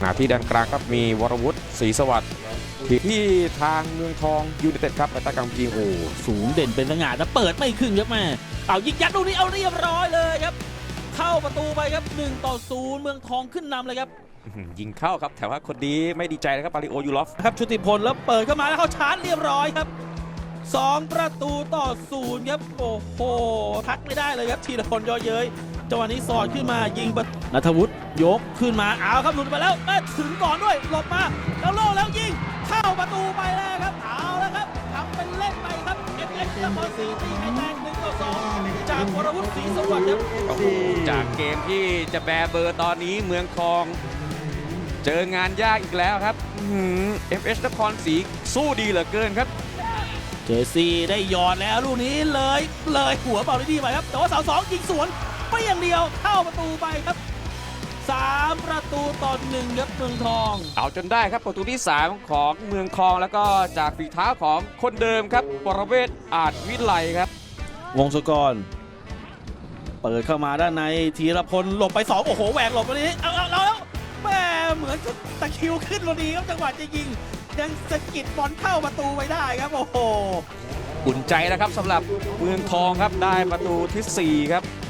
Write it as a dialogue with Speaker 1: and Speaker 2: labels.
Speaker 1: ที่ด้านกลางครับมีวรวุฒิศรีสวัสดิ์ที่ทางเมืองทองยูไนเต็ดครับไปตากำยิงโอ้
Speaker 2: สูงเด่นเป็นสง่าแต่เปิดไม่ขึ้นครับแม่เอายิงยัดลูกนี้เอาเรียบร้อยเลยครับเข้าประตูไปครับ1-0เมืองทองขึ้นนำเลยครับ
Speaker 1: ยิงเข้าครับแต่ว่าคนนี้ไม่ดีใจนะครับปาริโอยูลอฟ
Speaker 2: ครับชุติพลแล้วเปิดเข้ามาแล้วเขาชาร์จเรียบร้อยครับ2-0ครับโอ้โหทักไม่ได้เลยครับธีรพลย่อเย้ยจังหวะนี้สอดขึ้นมายิงณัฐวุฒิยกขึ้นมาเอาครับหลุดไปแล้วถึงก่อนด้วยหลบมาแล้วโล่แล้วยิงเข้าประตูไปแล้วครับเอาแล้วครับทำเป็นเล่นไปครับเอฟนครศรีตีไข่แตก1-2จากวรวุฒิศรีสวัสดิ์ครับ
Speaker 1: จากเกมที่จะแบเบอร์ตอนนี้เมืองทองเจองานยากอีกแล้วครับFH นครศรีสู้ดีเหลือเกินครับ
Speaker 2: เจซี่ได้หยอดแล้วลูกนี้เลยหัวเป่าได้ดีไปครับแต่ว่าเสา2ยิงสวนไปอย่างเดียวเข้าประตูไปครับ3-1ครับเมืองทอง
Speaker 1: เอาจนได้ครับประตูที่3ของเมืองทองแล้วก็จากฝีเท้าของคนเดิมครับปรเวศอาจวิไลครับ
Speaker 2: วงศกรเปิดเข้ามาด้านในธีรพลหลบไป2โอ้โหแหวกหลบตรงนี้เอาแล้วแม่เหมือนตะคิวขึ้นพอดีครับจังหวะจะยิงยังสะกิดบอลเข้าประตูไปได้ครับโอ้โห
Speaker 1: อุ่นใจแล้วครับสำหรับเมืองทองครับได้ประตูที่4ครับ